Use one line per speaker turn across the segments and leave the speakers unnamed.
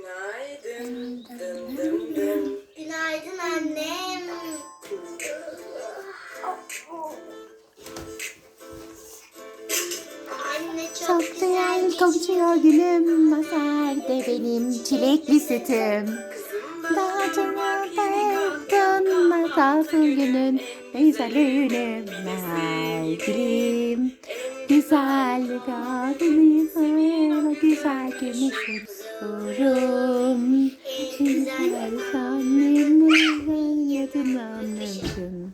Günaydın. Dım dım dım.
Günaydın annem. Anne
Çok güzel kokuşuyor gülüm, maserde benim çilekli sütüm. Daha canım masalsın günün, ne güzel öğünüm, merdilim. Güzel kadınım, güzel gümüşüm, sorum. Güzel annemin yadınlanmışım.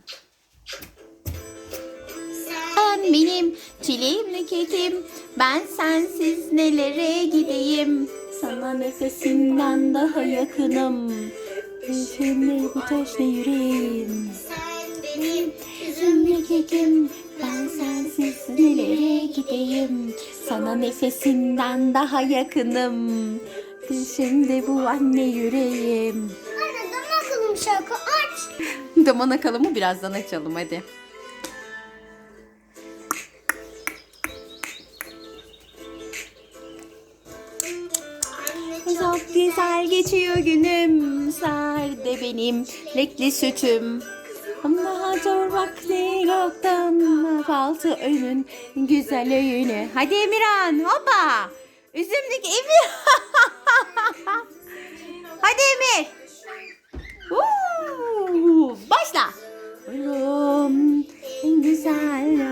Sen benim çileğimli kekim, ben sensiz nelere gideyim. Sana nefesinden daha yakınım, yüzümle bu taş ne yüreğim.
sen benim
Üzümlü kekim, ben sensiz nelere gideyim. Sana nefesinden daha yakınım, şimdi bu anne yüreğim.
Anne dama akıllım şarkı aç.
Daman akalımı birazdan açalım hadi.
Anne
Çok güzel geçiyor günüm, sade benim renkli sütüm. Ama zor vakti yoktan, faltı önün güzel öğünü. Hadi Emirhan, hoppa. Üzümlük Emir. Hadi Emir. Başla. Oğlum, en güzel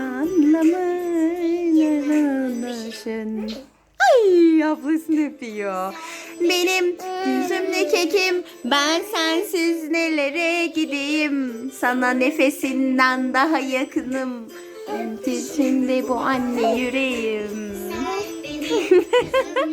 anlamını. Ay, ablasını öpüyor. Benim yüzümlü kekim, ben sensiz nelere gideyim. Sana nefesinden daha yakınım, şimdi bu anne yüreğim.
sen benim